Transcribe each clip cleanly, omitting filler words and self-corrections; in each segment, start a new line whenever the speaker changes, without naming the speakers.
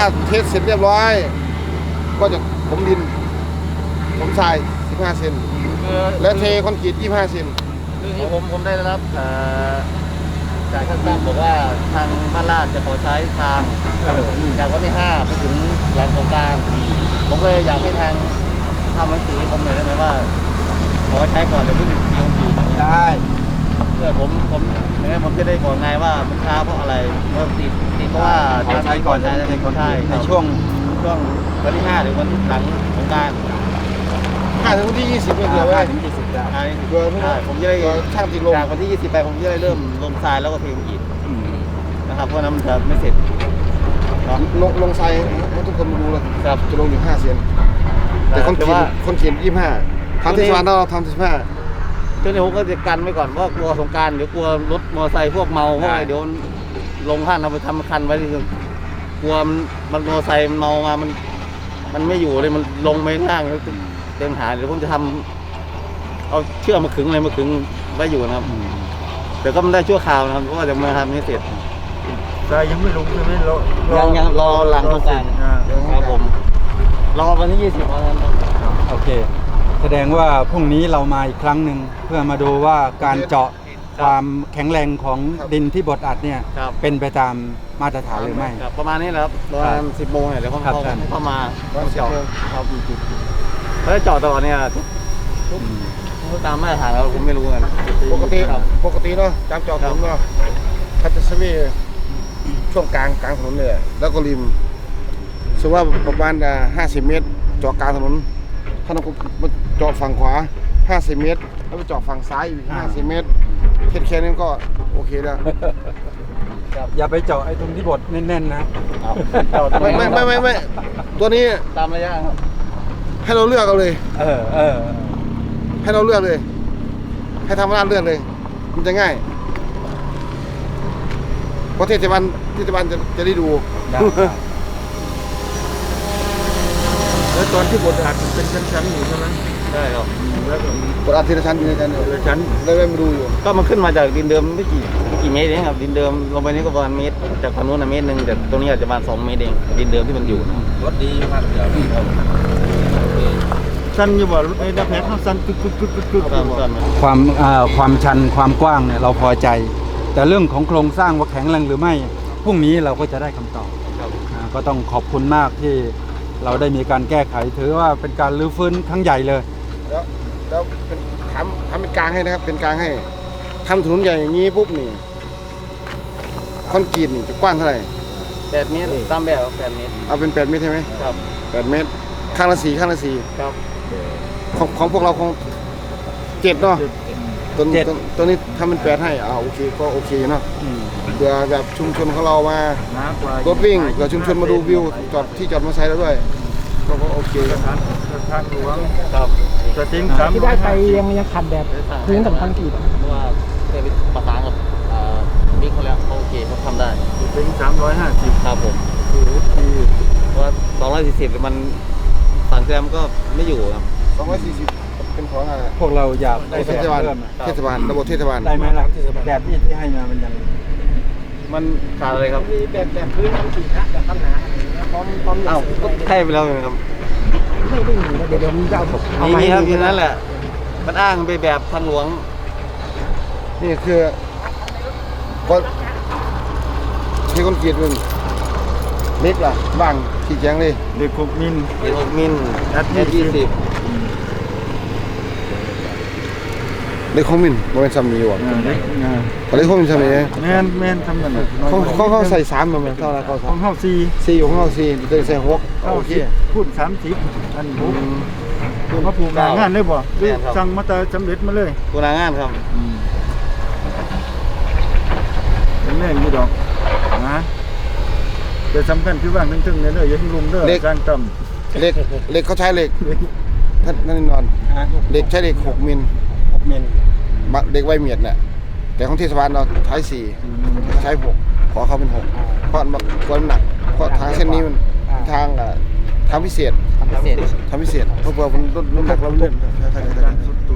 เทสเสร็จเรียบร้อยก็จะผมดินผมทราย15 เซนและเทคอนกรีต25 เซน
คือผมได้รับจากข้างต้นบอกว่าทางบ้านลาดจะขอใช้ทางจากวันที่5ไปถึงหลังสงกรานต์ผมก็เลยอยากให้ทางทำหนังสือผมหน่อยได้ไหมว่าขอใช้ก่อนเดี๋ยวเพิ่งลงปี
ได้
เพื่อผมจะได้บอกไงว่ามันช้าเพราะอะไรเพราะติดเพราะว่า
ใช้ก่อน
ใช่
ในช่วง
วันที่5หรือวันหลังสงกรานต์
5 ถึงวันที่ 20เดือนไว้
ถึง20ได้
เดือน
ผมจะได้
ช่างติดลง
จากวันที่20ไปผมจะได้เริ่มลงทรายแล้วก็เทอีกนะครับเพราะนั้นมันจะไม่เสร็จ
ลงทรายให้ทุกคนมาดูเลย
ครับ
จะลงอยู่5 เซนแต่คนเขียน25ทำที่สวรรค์เราทำ15
เจ้าหน้าที่ก็จะกันไว้ก่อนว่ากลัวสงกรานต์เดี๋ยวกลัวรถมอเตอร์ไซค์พวกเมาพวกอะไรเดี๋ยวลงข้างเราไปทำคันไว้ที่กลัวมันมอเตอร์ไซค์มันเมามามันไม่อยู่เลยมันลงไปข้างเดินหาเดี๋ยวผมจะทำเอาเชือกมาขึงอะไรมาขึงไว้อยู่นะครับแต่ก็มันได้ชั่วคราวนะครับเพราะว่าจะมาทำไม่เสร็จ
แต่ยังไม่ลงใช่ไหม
ยังรอหลังสงกรานต์ครับผมรอวันที่20วันนั้น
โอเคแสดงว่าพรุ่งนี้เรามาอีกครั้งหนึ่งเพื่อมาดูว่าการเจาะความแข็งแรงของดินที่บดอัดเนี่ยเป็นไปตามมาตรฐานหรือไม่
ประมาณนี้แหละครับประมาณ10 โมงเนี่ยเดี๋ยวเข้ามาเจาะครับเขาจะเจาะตลอดเนี่ยทุกตามมาตรฐานเราผมไม่รู้กัน
ปกติเนาะจำจอดถนนเนาะคัตเตอร์สวีช่วงกลางถนนเลยแล้วก็ริมสมมติว่าประมาณ50 เมตรเจาะกลางถนนถ้าเราเจาะฝั่งขวา50 เมตรแล้วไปเจาะฝั่งซ้ายอีก50 เมตรแค่นี้ก็โอเคแล้ว
อย่าไปเจาะไอ้ตรงที่บดแน่นๆนะ
ไม่ตัวนี้
ตามระยะครับ
ให้เราเลือกเอาเลยให้เราเลือกเลยให้ทำร้านเลือกเลยมันจะง่ายเพราะเทศบาลจะได้ดู
แล้วตอนที่บดอัดเป็นชั้นๆอยู่ใช่ไหม
ใช่ครับ
แล้วบดอัดทีละชั้น
ชั้น
ได้มาดูอยู่
ก็มันขึ้นมาจากดินเดิมไม่กี่เมตรเองครับดินเดิมลงไปนี่ก็ประมาณเมตรจากฝั่งนู้นเมตรนึงแต่ตรงนี้อาจจะประมาณ2 เมตรเองดินเดิมที่มันอยู่
รถดีมากเดี๋ยวสั้นอยู่บ่รถไอ้ดับแผลเขาสั้นกึกความชันความกว้างเนี่ยเราพอใจแต่เรื่องของโครงสร้างว่าแข็งแรงหรือไม่พรุ่งนี้เราก็จะได้คำตอบก็ต้องขอบคุณมากที่เราได้มีการแก้ไขถือว่าเป็นการรื้อฟื้นครั้งใหญ่เลย
แล้วทำเป็นกลางให้นะครับเป็นกลางให้ทำถนนใหญ่อย่างนี้ปุ๊บนี่คอนกรีตนี่จะกว้างเท่าไหร่
8 เมตรตามแบบ8 เมตร
เอาเป็น8 เมตรใช่ไหม
ครับ
8 เมตรข้างละ4
ครับ
ของพวกเราคง7เนาะตัวนี้ทำเป็น8ให้โอเคก็โอเคเนาะเผื่อแบบชุมชนของเรามารถวิ่งเผื่อชุมชนมาดูวิวที่จอดมอเตอร์ไซค์แล้วด้วยก็โอเค
ทางหลวง
ครับ
จะทิ้ง
ที่ได้ไปยังขัดแบบพื้นกับคอนกรีต
เพราะว่าเคยไปประสานกับบิ๊กเขาแล้วโอเคเขาทำได้
ทิ้ง350
ครับผมเพราะว่า240มันฝั่งแซมก็ไม่อยู่ครับ
240เป็นของ
พวกเราอยากได้
เทศบาลระบบเทศบาล
ได้ไหมล่ะแบบที่ให้มามันยัง
มันขาดอะไรครับ
แบบพื้นคอนกรีตนะแบบตั้งหนาพร้อม
ก็ให้ไปแล้วครับ
ไม่ได้หนีนะเดี๋ยวมึงจะเอา
นี่ครับทีนั้นแหละมันอ้างไปแบบทางหลวง
นี่คือก็ที่คอนกรีตมันเล็กล่ะบางขี้แข็งเลย
เล็ก6 มิล
20
เล็กของมินมันเป็นซ้ำนี้ว่ะเล็กของมินซ้ำนี้
แม่นทำกัน
เขาใส่3เหมือนเท่าไหร่เขา
ของเฮา
4ของเฮา4ตัวใส่6โอเค
พูด30อันนี้คือมาผูกงานเลยบ่สั่งมาแต่สำเร็จมาเลย
ผูกงานครับ
เป็นแรงอยู่ดอกนะแต่สำคัญคือว่างทึ่งๆเนี่ยอย่าให้ลุมเด้อการต่ำ
เล็กเขาใช้เหล็กนั่นนอนเล็กใช้เหล็ก6 มิลเด็กไวเมียดเนี่ยแต่ของเทศบาลเราใช้4ใช้6ขอเขาเป็น6เพราะมันควรหนักเพราะทางเส้นนี้มันทางพิเศษเพราะมันน้ำหนักเราเล่น
การสุดตัว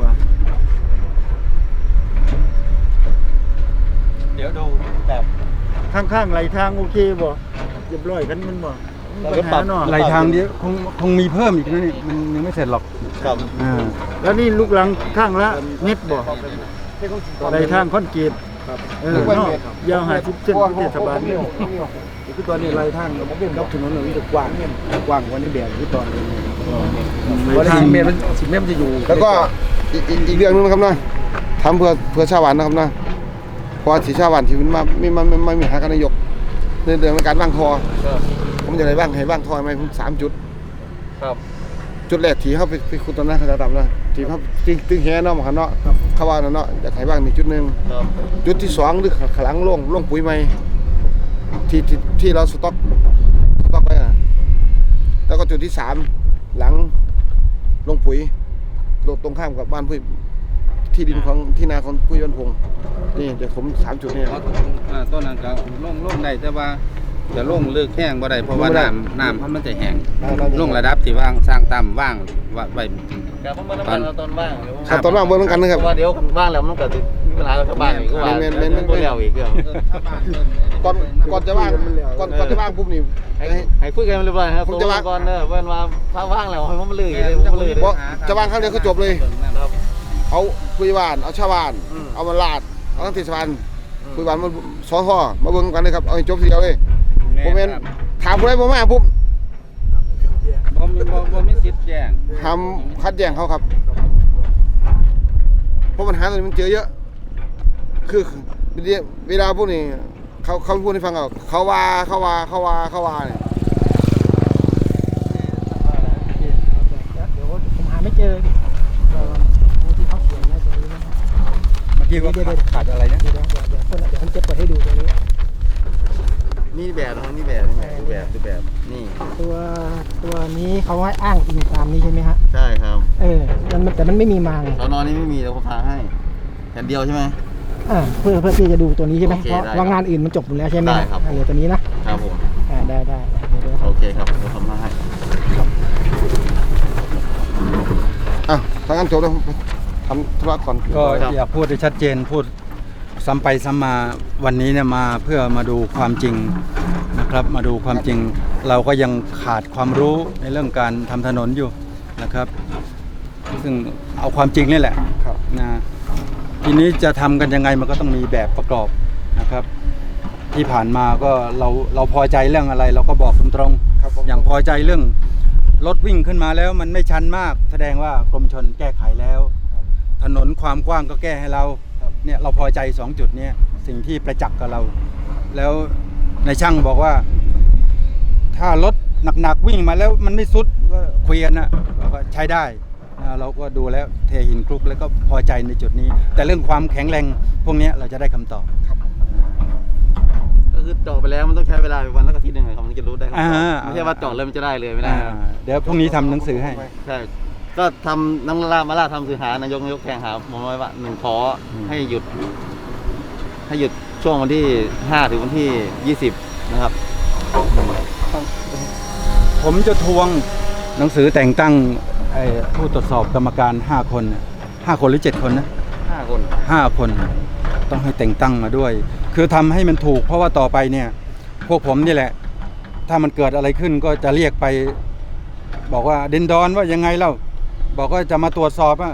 เดี๋ยวดูแบบ
ข้างๆไหลทางโอเคบ่เรียบร้อยกันมันบ่
ก็ปรับ
ไหลทางนี้คงมีเพิ่มอีกนะนี่มันยังไม่เสร็จหรอก
ครับ
แล้วนี่ลูกหลังข้างละเม็ดบ่ในทางคอนกรีตเนาะยาว50เซนเทศบาลนี่
คือตอนนี้ไรทางกับถนนมันจะกว้างกว่านี้แบบที่ตอนนี้เพราะ10 เมตรมันจะอยู่
แล้วก็อีกเรื่องนึงนะครับนะทำเพื่อชาวบ้านนะครับนะเพราะสีชาวบ้านที่มันไม่มีหากันนายกในเรื่องการว่างทอ
ครับ
ผมจะได้ว่างให้ว่างทอไหมผม3 จุด
ครับ
จุดแรกที่เขาไปขุดตอนนั้นเขาจะทำนะที่เขาตึงแห่เนาะหมอเนาะเขาว่าเนาะอยากให้ว่าง1 จุด
ครับ
จุดที่2หรือขลังโล่งปุ๋ยใหม่ที่เราสต็อกไว้นะแล้วก็จุดที่3หลังลงปุ๋ยตรงข้ามกับบ้านผู้ที่ดินของที่นาของผู้ยันพงศ์นี่เดี๋ยวผม3 จุดนี่
ต้นนั้นก็ลงได้แต่ว่าจะลงเลือกแห้งบ่ได้เพราะว่าน้ำมันจะแห้งลงระดับที่ว่างสร้างต่ำว่างไว้
ครับผมมาตอนว่าง
ครับตอนว่างเบิ่งเหมือนกันนะครับ
เพราะว่าเดี๋ยวว่างแล้วมันก็จะมีปัญหากับชาวบ้านอีกว่าบ่แล้วอีกเรื่อง
ก่อนจะว่างก่อนจะว่างปุ๊บนี่
ให้คุยกันเรียบร้อยครับ
ผมจะว่าง
ก่อนเด้อเว้นว่าถ้าว่างแล้วให้มันลื่นเลยมันลื่น
เพราะจะว่างครั้งเดียวก็จบเลย
ครับ
เอาผู้ใหญ่บ้านเอาชาวบ้าน
อืม
เอามาลาดเอาทั้งเทศบาลผู้ใหญ่บ้านมาสองข้อมาเบิ่งกันเลยครับเอาให้จบทีเดียวเลยผมเห็นถามผู้ใดบ่มาปุ๊บ
บ่มีสิทธิ์แจ้ง
ห้ามคัดแย่งเขาครับเพราะปัญหาตรงนี้มันเจอเยอะคือเวลาพวกนี้เขาพูดให้ฟังเขาว่าเนี่ย
เดี๋ยวผมหาไม่เจอที่เขาเขียนไว้ตรงนี้นะ
เมื่อกี้ว่าขาดอะไรนะ
เดี๋ยวผมจะเปิดให้ดูตรงนี้
นี่แบบนะครับนี่แบบดูแบบนี่
ตัวนี้เขาให้อ้างอิงตามนี้ใช่ไหมฮะ
ใช่ครับ
แต่มันไม่มีมาง
ตอนนอนนี้ไม่มีเราพาให้แผ่นเดียวใช่ไหม
เพื่อที่จะดูตัวนี้ใช่ไหม
โอเค
เพราะ
ได้
ว่างานอื่นมันจบหมดแล้วใช่ไหม
ได้ครับ
เหลือตัวนี้นะครับ
ผม
ได้เดี๋ยว
โอเคครับเราทำให้
ถ้างั้นจบแล้วทำธุระก่อน
ก็อยากพูดให้ชัดเจนพูดซ้ำไปซ้ำมาวันนี้เนี่ยมาเพื่อมาดูความจริงนะครับ มาดูความจริง เราก็ยังขาดความรู้ในเรื่องการทำถนนอยู่นะครับ ซึ่งเอาความจริงนี่แหละ
ครับ
นะทีนี้จะทำกันยังไงมันก็ต้องมีแบบประกอบนะครับ ที่ผ่านมาก็เราพอใจเรื่องอะไร เราก็บอกตรงๆ
ครับผม
อย่างพอใจเรื่องรถวิ่งขึ้นมาแล้วมันไม่ชันมาก แสดงว่ากรมชลแก้ไขแล้ว ถนนความกว้างก็แก้ให้เราเนี่ยเราพอใจ2 จุดเนี้ยสิ่งที่ประจักษ์กับเรา แล้วในช่างบอกว่า ถ้ารถหนักๆวิ่งมาแล้วมันไม่สุดก็คุยกันนะเราก็ใช้ได้เราก็ดูแล้วเทหินคลุกแล้วก็พอใจในจุดนี้ แต่เรื่องความแข็งแรงพวกเนี้ยเราจะได้คำตอบ
ก็คือเจาะไปแล้วมันต้องใช้เวลาวันละอาทิตย์หนึ่งครับมันจะรู้ได้ครับ
อ่า
ไม่ใช่ว่าเจาะเลยมันจะได้เลยไม่ได้ครับ
เดี๋ยวพรุ่งนี้ทำหนังสือให้
ใช่ก็ทำน้ำมาล่าทำสื่อหานายกแข่งหาผมไว้ว่า1ขอให้หยุดช่วงวันที่5ถึงวันที่20นะครับ
ผมจะทวงหนังสือแต่งตั้งผู้ตรวจสอบกรรมการ5 คนน่ะ5 คนหรือ7 คนนะ
5 คน
5 คนต้องให้แต่งตั้งมาด้วย คือทำให้มันถูกเพราะว่าต่อไปเนี่ยพวกผมนี่แหละ ถ้ามันเกิดอะไรขึ้นก็จะเรียกไป บอกว่าเดนดอนว่ายังไงเล่าบอกว่าจะมาตรวจสอบอ่ะ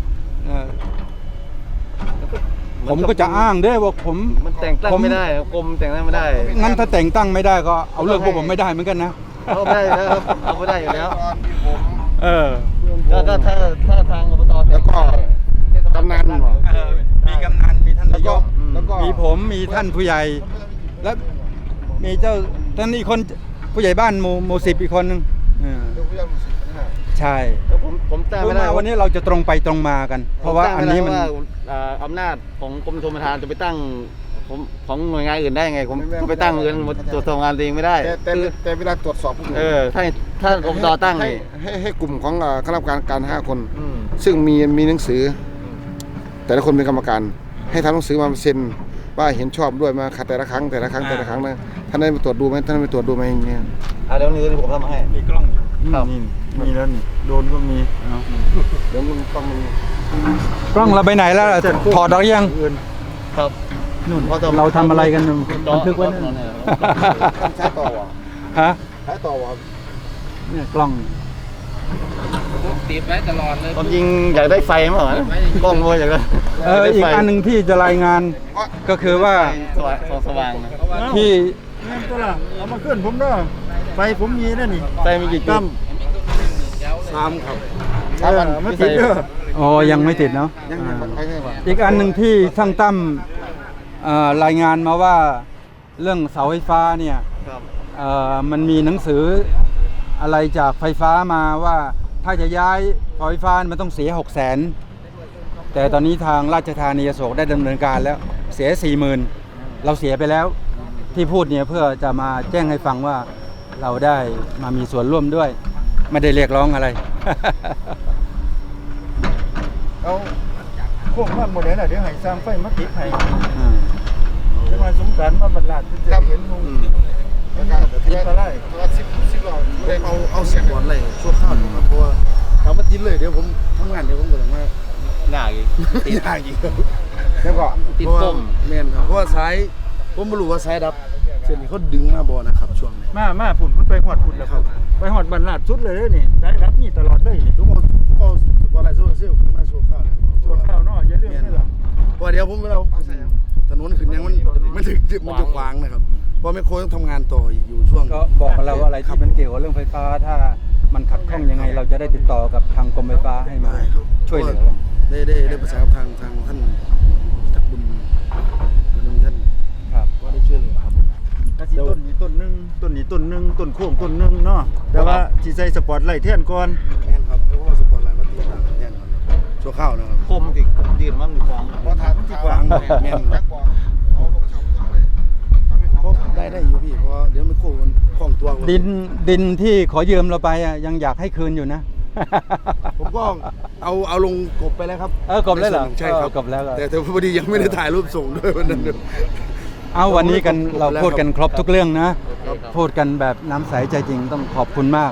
ผมก็จะอ้างด้วยว่าผม
มันแต่งตั้งไม่ได้ครับกรมแต่งตั้งไม่ได้
งั้นถ้าแต่งตั้งไม่ได้ก็เอาเรื่องพวกผมไม่ได้เหมือนกันนะ
เอาไม่ได้อยู่แล้วครับเอาไม่ได้อยู่แล้ว
เออ
ก็ถ้าทางอบต
แล้วก็กำนัน
มีกำนันมีท่าน
แล้ว
นาย
ก็
ก
แล้วก็
มีผมมีท่านผู้ใหญ่ แล้วมีเจ้าท่านอีกคนผู้ใหญ่บ้านหมู่10อีกคนนึงใช่
ผมตั้ง
คือ
ไม่ได้
มาวันนี้เราจะตรงไปตรงมากัน เพราะว่าอันนี้มัน
อำนาจของกรมชลประทานจะไปตั้งของหน่วยงานอื่นได้ไงผมไปตั้งเงินตรวจสอบงานตัวเองไม่ได้
แต่เวลาตรวจสอบพวกนี้
ถ้าอบตตั้งนี่
ให้กลุ่มของคณะกรรมการ5 คน
อืม
ซึ่งมีหนังสือ แต่ละคนเป็นกรรมการ ให้ทำหนังสือมาเซ็นว่าเห็นชอบด้วยมาขัดแต่ละครั้งนะท่านได้ไปตรวจดูไหมท่านได้ไปตรวจดูไหมอย่างเงี้ย
เดี๋ยวนี้ผมทำให้
มีกล้อง
ครับ
มีแล้วนี่โดนก็มี
เดี๋ยวมันต้องมี
กล้องเราไปไหนแล้วถอดเรายัง
ครับ
นู่นเราทำอะไรกันบันทึกไว้นั่น
ใช้ต่อว่ะ
ฮะ
ใขายต่อวะ
เนี่ยกล้อง
ติดไว้ตลอดเลยความจริงอยากได้ไฟมั้งเหรอกล้องด้วยอยากได้
อีกอันหนึ่งที่จะรายงานก็คือว่า
สว่างนะ
ที่
เงินตัวละเอามาขึ้นผมเด้อไฟผมมีนะนี่
ไฟมีกี่จุด
3ครับ
มาติดเด้อ
อ๋อยังไม่ติดเนาะ
ยังไปไงวะ
อีกอันหนึ่งที่ช่างตั้มรายงานมาว่าเรื่องเสาไฟฟ้าเนี่ย
ครับ
มันมีหนังสืออะไรจากไฟฟ้ามาว่าถ้าจะย้ายเสาไฟฟ้ามันต้องเสีย 600,000แต่ตอนนี้ทางราชธานีอโศกได้ดำเนินการแล้วเสีย 40,000เราเสียไปแล้วที่พูดเนี่ยเพื่อจะมาแจ้งให้ฟังว่าเราได้มามีส่วนร่วมด้วยไม่ได้เรียกร้องอะไร
เอาพวกมันหมดเลยน่ะเดี๋ยวให้สร้างไฟมาติดให้
อืม
จังหวัดสงขลามาบรรลัดจะเห็นมุม
แล้วก็
ติดอะไร
ตัว10 รอบเลย
เอาเสียงก่อนเลยชั่วข้าวหนึ่งครับเพราะว่าถามว่าติดเลยเดี๋ยวผมทำงานเดี๋ยวผมก็ต้องมา
หน้าอีก
ติดยากอีกครับ
แล้วก็
ติดต้ม
แม่นครับเพราะว่าสายผมไม่รู้ว่าสายดับเส้นนี้เขาดึงมาบ่นะครับช่วงนี้
มาผุ่นมันไปหอดพุ่นแล้วครับไปหอดบรรลัดสุดเลยเด้อนี่ได้รับนี่ตลอดเลยนี่
ทุกคนเอาอะไรโซเชียลขึ้นมาชั่วข้าวเลย
ชั่วข้าวเนาะอย่าลืมได้ล่ะ
เพราะเดี๋ยวผมเอาถนนขึ้นยังมันถึงมันจะขวางนะครับเพราะแม่โคต้องทำงานต่ออีกอยู่ช่วง
ก็บอกกับเราว่าอะไรที่มันเกี่ยวกับเรื่องไฟฟ้าถ้ามันขัดข้องยังไงเราจะได้ติดต่อกับทางกรมไฟฟ้าให้มาช่วยเหลือ
ได้ประสานกับทางท่านทักบุญท่าน
ครับ
ก็ได้ช่วยเหลือครับ
ก็สิต้นนี้ต้นหนึงต้นนี้ต้นหนึงต้นโค้งต้นหนึงเนาะแต่ว่าสิใส่สปอตไลท์แทนก่อน
แม่นครับเพราะว่าสปอร์ตไลน์มาตีต่างกันแน่นอนชั่วข้าวนะครับ
คมติดยืนมันมีฟอง
พอทานที่กวาง
แม่น
แบ็คบอลเอาลูกชาวเมืองเลยทำให้
เพราะได้อยู่พี่เพราะเดี๋ยวมันโค้งมันคล่องตัว
ดินที่ขอยืมเราไปอ่ะยังอยากให้คืนอยู่นะ
ผมก็เอาลงกบไปแล้วครับ
กบเลยเหรอ
ใช่ครับ
กบแล้ว
แต่พอดียังไม่ได้ถ่ายรูปส่งด้วยวันนั้น
เอาวันนี้กันเราพูดกันครบทุกเรื่องนะ พูดกันแบบน้ำใสใจจริงต้องขอบคุณมาก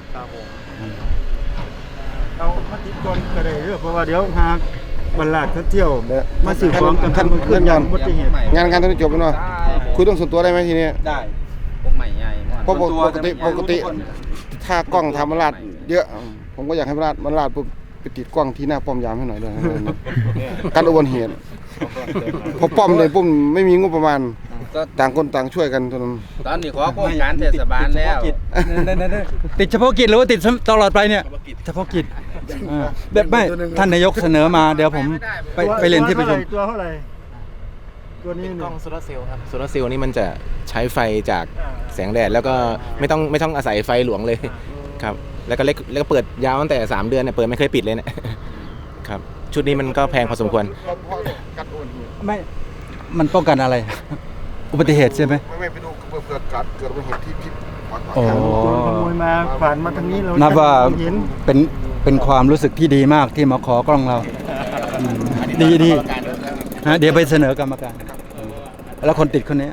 เอามาติดก่อนก็ได้เด้อเพราะว่าเดี๋ยวหากบรรลัดเขาเที่ยวมาซื้อของกันทันมันขึ้นอย่างอุบัติเหตุ
งานตอนนี้จบแล้วเนาะคุยเรื่องส่วนตัวได้ไหมทีนี้
ได้
พวกใหม่ใหญ่
เพราะปกติถ้ากล้องทำมันลาดเยอะ ผมก็อยากให้มันลาดปุ๊บไปติดกล้องที่หน้าป้อมยามให้หน่อยด้วยการอุบัติเหตุพอป้อมเลยปุ๊บไม่มีงบประมาณต่างคนต่างช่วยกันตอนนั้น
ตอนนี้ขอโครงการเทศบาลแล้ว
ติดเฉพาะกิจหรือว่าติดตลอดไปเนี่ยเฉพาะกิจแบบไม่ท่านนายกเสนอมาเดี๋ยวผมไปเรียนที่ประชุม
ตัวเท่าไหร่ตัวนี้
กล้องโซลาร์เซลล์ครับโซลาร์เซลล์นี่มันจะใช้ไฟจากแสงแดดแล้วก็ไม่ต้องอาศัยไฟหลวงเลยครับแล้วก็เปิดยาวตั้งแต่3 เดือนเนี่ยเปิดไม่เคยปิดเลยเนี่ยครับชุดนี้มันก็แพงพอสมควร
ไม่มันป้องกันอะไร อุบัติเหตุใช่ไหม
ไม่ไปดูเกิดอุบัติเหตุที่ปาก
โอ้
โจรขโมยมาผ่านมาทางนี้เรา
นับว่า
เห็น
เป็นความรู้สึกที่ดีมากที่มาขอกล้องเราดีฮะเดี๋ยวไปเสนอกรรมการแล้วคนติดคนนี้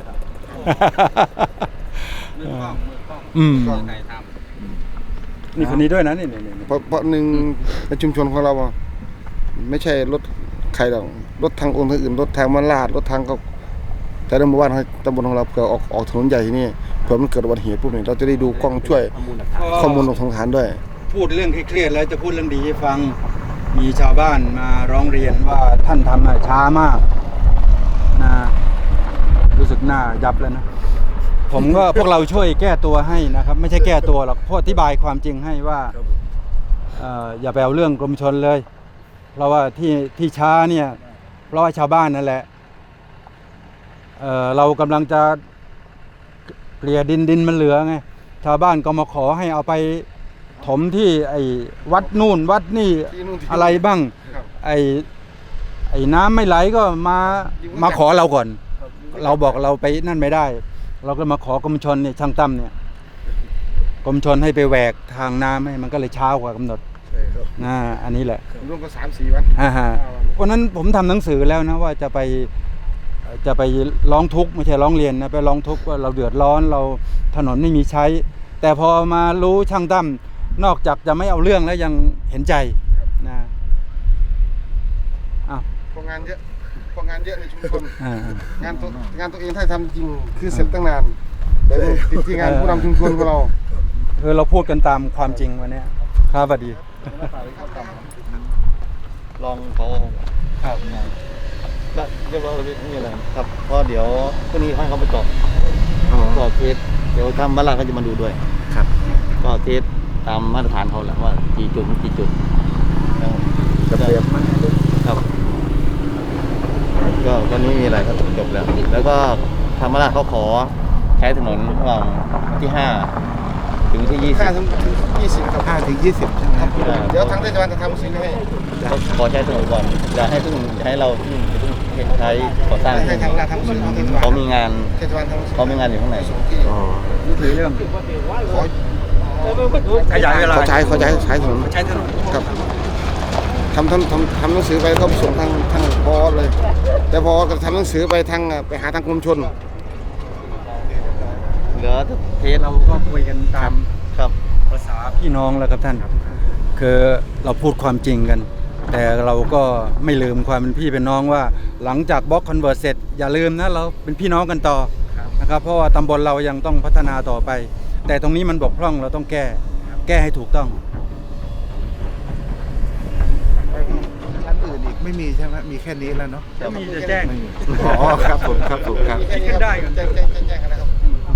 นี่คนนี้ด้วยนะนี่
เพราะหนึ่งในชุมชนของเราอะไม่ใช่รถใครหรอกรถทางองค์ทางอื่นรถทางมาลาดรถทางก็แต่ในหมู่บ้านตำบลของเราเกิดออกถนนใหญ่ที่นี่เผื่อมันเกิดอุบัติเหตุปุ๊บเนี่ยเราจะได้ดูกล้องช่วยข้อมูลของทางฐานด้วย
พูดเรื่องเครียดแล้วจะพูดเรื่องดีให้ฟังมีชาวบ้านมาร้องเรียนว่าท่านทำช้ามากนะรู้สึกหน้ายับแล้วนะผมก็ พวกเราช่วยแก้ตัวให้นะครับไม่ใช่แก้ตัวหรอกเพราะอธิบายความจริงให้ว่าอย่าไปเอาเรื่องกรมชลเลย เพราะว่าที่ช้าเนี่ยเพราะว่าชาวบ้านนั่นแหละเรากำลังจะเกลี่ยดินมันเหลือไงชาวบ้านก็มาขอให้เอาไปถมที่ไอ้วัดนู่นวัดนี่อะไรบ้างไอ้น้ำไม่ไหลก็มาขอเราก่อนเราบอกเราไปนั่นไม่ได้เราก็มาขอกรมชลเนี่ยช่างตั้มเนี่ยกรมชลให้ไปแหวกทางน้ำให้มันก็เลยช้ากว่ากำหนดอันนี้แหละ
ร่วมกัน3-4 วัน
วันนั้นผมทำหนังสือแล้วนะว่าจะไปร้องทุกข์ไม่ใช่ร้องเรียนนะไปร้องทุกข์ว่าเราเดือดร้อนเราถนนไม่มีใช้ แต่พอมารู้ช่างตั้มนอกจากจะไม่เอาเรื่องแล้วยังเห็นใจนะ
พองานเยอะในชุมชนงานตัวเองถ้าทำจริงคือเสร็จตั้งนานแต่ติดที่งานผู้นำชุมชนของเรา
เราพูดกันตามความจริงวันนี้ครับสวัสดี
ลองเขา
ครับ
ก็เรียบร้อยไม่มีอะไรครับเพราะเดี๋ยวพรุ่งนี้ให้เขาไปสอบสอบเทสเดี๋ยวทำบ้านหลังเขาจะมาดูด้วย
ครับ
ก็เทสตามมาตรฐานเขาแหละว่ากี่จุดจะเปรียบครับก็วันนี้มีอะไรครับจบแล้ว แล้วก็ทำบ้านหลังเขาขอใช้ถนนระหว่างที่5ถึงที่20
5 ถึง 20ครับ
5 ถึง 20ใช่ไหมครับ
เดี๋ยวทางเทศบาลจะทำสิ่งให้
เขาขอใช้ถนนก่อนอย่าให้เราใช้ก่อสร้าง
ให้ทางทำสิ่งของเทศบาล
เขามีงาน
เทศบาลทำสิ่ง
เขามีงานอยู่ข้างใน
ที่
นี่คือเรื่อง
ขอ
ขยายเวลา
เขาใช้ถนน
ใช้ถนน
ครับทำหนังสือไปก็ส่งทางพอเลย แต่พอก็ทำหนังสือไปไปหาทางกรมชล
เหลือเทส
เราก็คุยกันตาม
ครับ
ภาษาพี่น้องแล้วครับท่าน คือเราพูดความจริงกัน แต่เราก็ไม่ลืมความเป็นพี่เป็นน้องว่าหลังจากบล็อกคอนเวิร์ตเสร็จอย่าลืมนะเราเป็นพี่น้องกันต่อนะครับเพราะว่าตำบลเรายังต้องพัฒนาต่อไป แต่ตรงนี้มันบกพร่องเราต้องแก้ให้ถูกต้อง
ชั้นอื่นอีกไม่มีใช่ไหมมีแค่นี้แล้วเนาะ
จะมีจะแจ้ง
อ๋อครับผมครับ
คิดกันได้กัน
แจ้งกันนะครับ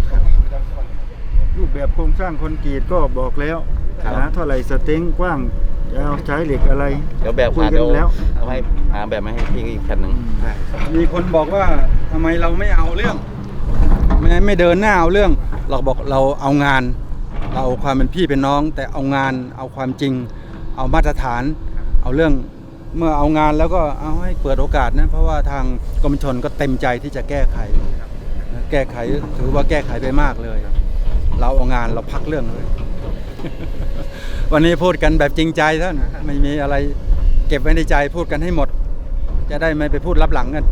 รูปแบบโครงสร้างคอนกรีตก็บอกแล้วนะเท่าไหร่สเต็งกว้างยาวใช้เหล็กอะไร
เดี๋ยวแบบ
คุย
หา
กัน
เดี๋ยว
แล้ว
เอาให้หาแบบมาให้พี่อีกแผ่นหนึ่ง
มีคนบอกว่าทำไมเราไม่เอาเรื่องไม่เดินหน้าเอาเรื่อง เราบอกเราเอางานเราเอาความเป็นพี่เป็นน้อง แต่เอางานเอาความจริง เอามาตรฐาน เอาเรื่องเมื่อเอางานแล้วก็เอาให้เปิดโอกาสนะเพราะว่าทางกรมชลก็เต็มใจที่จะแก้ไขถือว่าแก้ไขไปมากเลย เราเอางานเราพักเรื่องเลย วันนี้พูดกันแบบจริงใจท่านไม่มีอะไรเก็บไว้ในใจพูดกันให้หมด จะได้ไม่ไปพูดลับหลังกัน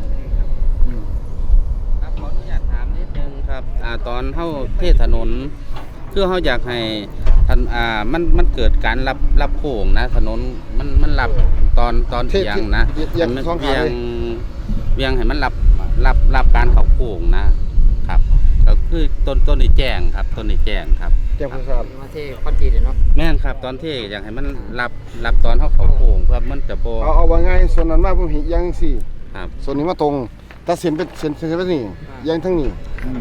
ครับขออนุญาตถามนิดนึงครับตอนเข้าเทศถนนคือเขาอยากให้ทันมันเกิดการรับโค้งนะถนนมันรับตอนเอียงนะ
เอียง
มัน
สอง
เวี
ขาย
ง
เลย
เวียงให้มันรับการเข้าโค้งนะครับก็คือต้นนี้แจ้งครับต้นนี้แจ้งครับ
แจ้งผู้ทราบ
มาเทคอนกรีตเนาะ
แม่นครับตอนที่อยากให้มันรับตอนเข้าโค้งเพื่อมันจะโบ
เอาว่าง่ายส่วนนั้นมากผมเห็นยังสี่
ครับ
ส่วนนี้มาตรงถ้าเส้นเป็นเส้นไปนี่ยังทั้งนี้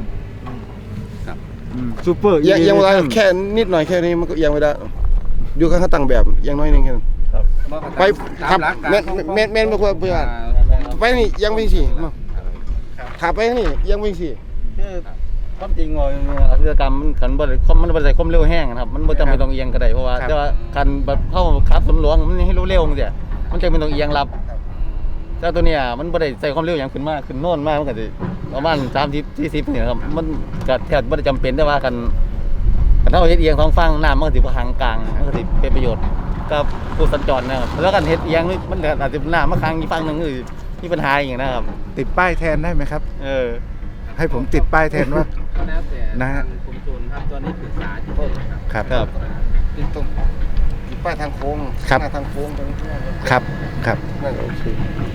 ซูเปอร์
ยังเวลาแค่นิดหน่อยแค่นี้มันก็ยังไม่ได้อยู่ข้างตั้งแบบยังน้อยนึงแค่นั้นไปทับแม่นไม่ควรเพื่อนไปนี่ยังไม่สี่ขับไปนี่ยังไม่สี่
คือความจริงว่าอาชญากรรมมันขันบ่ได้มันบ่ได้ความเร็วแห้งนะครับมันบ่จำเป็นต้องเอียงก็ได้เพราะว่าแต่ว่าคันแบบเข้าขับสวนหลวงมันให้เร็วๆจังซี่มันจำเป็นต้องเอียงรับแต่ตัวเนี้ยมันบ่ได้ใส่ความเร็วอย่างขึ้นมาขึ้นโน่นมากมันก็สิประมาณ30 40นี่ครับมันก็แทบบ่ได้จำเป็นแต่ว่าคันเฮาเฮ็ดเอียงท้องฟังน้ำมันก็สิบ่ค้างกลางมันก็สิเป็นประโยชน์กับผู้สัญจรนะครับแล้วกันเฮ็ดเอียงนี่มันก็อาจจะน้ำมาค้างอีกฝั่งนึงคือมีปัญหาอย่างนะครับ
ติดป้ายแทนได้ไหมครับ ให้ผมติดป้ายแทนว่า
แล้วแต่
นะฮะ
กรมชลครับตอนนี้ปรึกษาอยู่ครับ
ครับ
ตรงป้ายทางโค้ง
ครับ
หน้าทางโค้งตรงนี้
ครับครับ
นั่นโอเค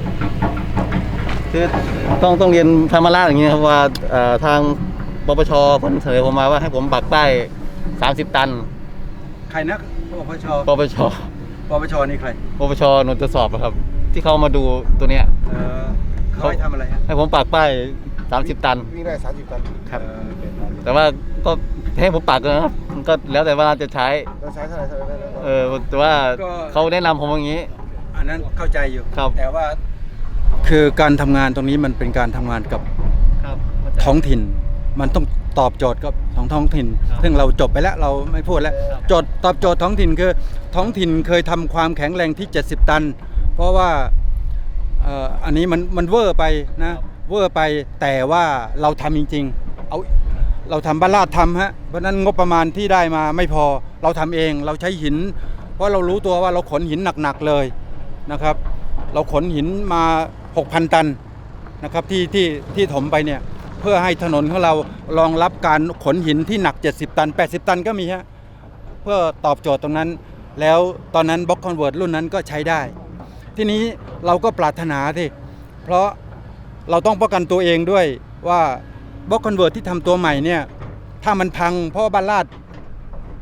คือต้องเรียนธรรมราชอย่างนี้ครับว่าทางปปชเพิ่นเสนอผมมาว่าให้ผมปักป้าย30 ตัน
ใครนะปปช
ปปช
นี่ใคร
ปปชหน่วยตรวจสอบอะครับ ที่เขามาดูตัวเนี้ย
เขาให้ทำอะไรฮะ
ให้ผมปักป้าย30 ตัน
วิ่งได้30 ตัน
ครับ แต่ว่าก็ให้ผมปักนะครับมันก็แล้วแต่ว่าจะใช้
เราใช้เท่าไหร่
แต่ว่าเขาแนะนำผมอย่างนี้
อันนั้นเข้าใจอยู่
ครับ
แต่ว่า คือการทำงานตรงนี้มันเป็นการทำงานกับ
ครับ
ท้องถิ่น มันต้องตอบโจทย์กับท้องถิ่น ซึ่งเราจบไปแล้วเราไม่พูดแล้วตอบโจทย์ท้องถิ่นคือท้องถิ่นเคยทำความแข็งแรงที่70 ตัน เพราะว่าอันนี้มันเวอร์ไปนะเวอร์ไปแต่ว่าเราทำจริงๆเราทำบ้านลาดทำฮะเพราะนั้นงบประมาณที่ได้มาไม่พอเราทำเองเราใช้หิน เพราะเรารู้ตัวว่าเราขนหินหนักๆเลยนะครับ เราขนหินมา 6,000 ตันนะครับที่ถมไปเนี่ยเพื่อให้ถนนของเรารองรับการขนหินที่หนัก70 ตัน80 ตันก็มีฮะเพื่อตอบโจทย์ตรงนั้นแล้วตอนนั้นบล็อกคอนเวิร์ตรุ่นนั้นก็ใช้ได้ทีนี้เราก็ปรารถนาที่เพราะเราต้องป้องกันตัวเองด้วยว่าบล็อกคอนเวิร์ตที่ทำตัวใหม่เนี่ยถ้ามันพังเพราะบ้านลาด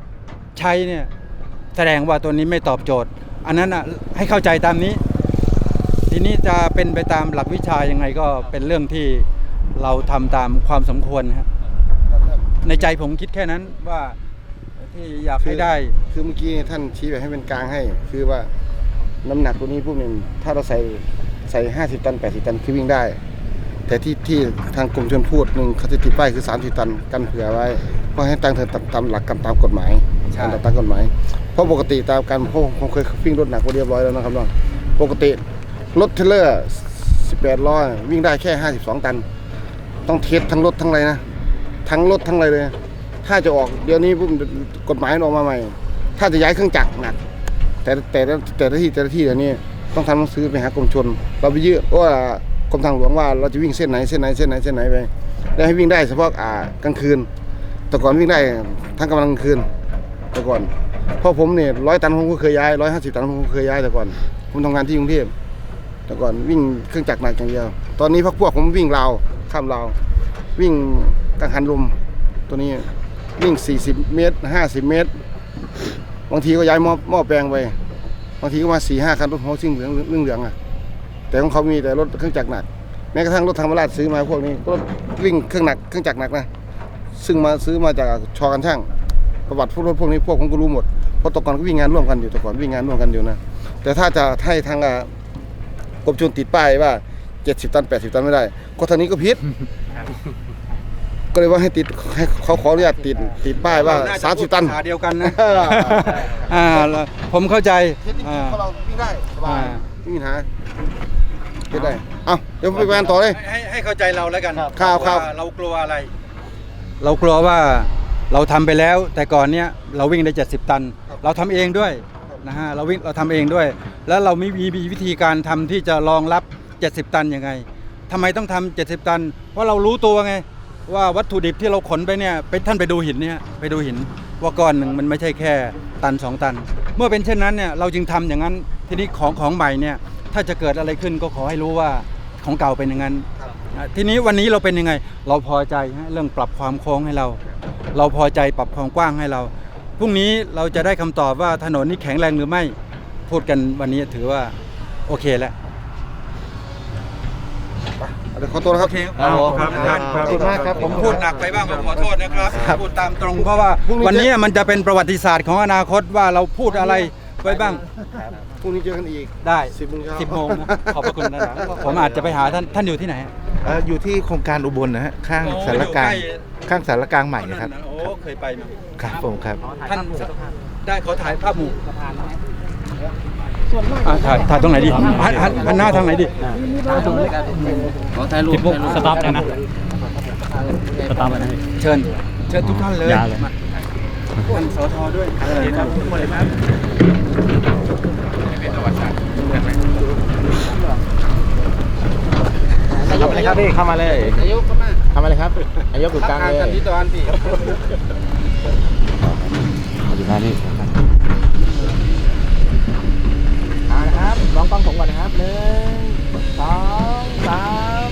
ใช้เนี่ยแสดงว่าตัวนี้ไม่ตอบโจทย์ อันนั้นอ่ะให้เข้าใจตามนี้ ทีนี้จะเป็นไปตามหลักวิชายังไงก็เป็นเรื่องที่เราทำตามความสมควรครับในใจผมคิดแค่นั้นว่าที่อยากให้ได้
คือเมื่อกี้ท่านชี้แบบให้เป็นกลางให้ คือว่าน้ำหนักตัวนี้พวกหนึ่งถ้าเราใส่50 ตัน80 ตันคือวิ่งได้ แต่ที่ทางกรมชลพูดหนึ่งเขาจะติดป้ายคือ30 ตันกันเผื่อไว้เพราะให้ตั้งเธอตามหลักตามกฎหมาย
ใช่
ตามกฎหมายเพราะปกติตามการผมเคยวิ่งรถหนักเรียบร้อยแล้วนะครับน้องปกติรถเทรลเลอร์18 ล้อวิ่งได้แค่52 ตันต้องเทสทั้งรถทั้งอะไรนะทั้งรถทั้งอะไรเลยถ้าจะออกเดี๋ยวนี้ปุ๊บกฎหมายออกมาใหม่ถ้าจะย้ายเครื่องจักรหนักแต่ละที่เดี๋ยวนี้ต้องทำหนังสือไปหากรมชลเราไปยื่นว่ากรมทางหลวงว่าเราจะวิ่งเส้นไหนไปแล้วให้วิ่งได้เฉพาะกลางคืนแต่ก่อนวิ่งได้ทั้งกลางคืนแต่ก่อนเพราะผมเนี่ย100 ตันผมก็เคยย้าย150 ตันผมก็เคยย้ายแต่ก่อนผมทำงานที่กรุงเทพแต่ก่อนวิ่งเครื่องจักรหนักอย่างเดียวตอนนี้พวกผมวิ่งราวข้ามราววิ่งกังหันลมตัวนี้วิ่ง40 เมตร50 เมตรบางทีก็ย้ายหม้อแปลงไปบางทีก็มา 4-5 คันรถหัวซิ่งเหลืองแต่ของเขามีแต่รถเครื่องจักรหนักแม้กระทั่งรถธรรมราชซื้อมาพวกนี้ก็วิ่งเครื่องจักรหนักนะซึ่งมาซื้อมาจากชอกันช่างประวัติรถพวกนี้พวกผมก็รู้หมดเพราะตะก่อนก็วิ่งงานร่วมกันอยู่นะแต่ถ้าจะให้ทางกรมชลติดป้ายว่า70 ตัน80 ตันไม่ได้ก็ทางนี้ก็ผิดก็เลยว่าให้ติดให้เขาขออนุญาตติดป้ายว่า30 ตัน
เดียวกันนะผมเข้าใจ
เราวิ่งได้สบายไม่มีปัญหาได้เอาเดี๋ยวไปงานต่อเลย
ให้เข้าใจเราแล้วกัน
ข่าว
เรากลัวอะไรเรากลัวว่าเราทำไปแล้วแต่ก่อนเนี้ยเราวิ่งได้70 ตันเราทำเองด้วยนะฮะเราทำเองด้วยแล้วเราไม่มีวิธีการทำที่จะรองรับ70 ตันยังไงทำไมต้องทำ70 ตันเพราะเรารู้ตัวไงว่าวัตถุดิบที่เราขนไปเนี่ยท่านไปดูหินเนี่ยไปดูหินว่าก้อนหนึ่งมันไม่ใช่แค่ตัน2 ตันเมื่อเป็นเช่นนั้นเนี่ยเราจึงทำอย่างนั้นทีนี้ของใหม่เนี่ยถ้าจะเกิดอะไรขึ้นก็ขอให้รู้ว่าของเก่าเป็นอย่างนั้นทีนี้วันนี้เราเป็นยังไงเราพอใจเรื่องปรับความโค้งให้เราพอใจปรับความกว้างให้เราพรุ่งนี้เราจะได้คำตอบว่าถนนนี้แข็งแรงหรือไม่พูดกันวันนี้ถือว่าโอเคแล้ว
ขอตัวนะครับ
ขอบคุณมากครับผมพูดหนักไปบ้างขอโทษนะครับพูดตามตรงเพราะว่าวันนี้มันจะเป็นประวัติศาสตร์ของอนาคตว่าเราพูดอะไรไว้บ้าง
พรุ่งนี้เจอกันอีก
ได้
10 โมง
ขอบพระคุณนะครับผมอาจจะไปหาท่านอยู่ที่ไหน
อยู่ที่โครงการอุบลนะฮะข้างสารกลางใหม่นะครับ
โอ้เคยไปมา
ครับผมครับ
ท่านได้ขอถ่ายภาพหมู่ถ่ายตรงไหนดีหันหน้าทางไหนดี
ขอถ่ายรูป
สต็อปเลยนะสต็อปเลย
เชิญทุกท่านเลยท่านสทด้วยครับ
นายกเลยครับพี่เข้ามาเลย
นายก
เข้ามาเลยครับนายกอยู่กลางเลย
กันที่ตอนพี่
อยู่ด้านนี้นะครับลองกล้องผมก่อนนะครับ1 2 3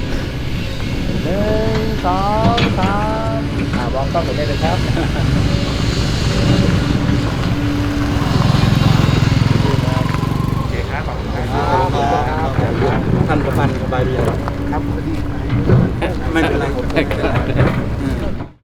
1 2 3ลองกล้องผมได้เลยครับโอเคครับขอบคุณครับ
ท่านประพันธ์สบายดีครับไม่เป็นไร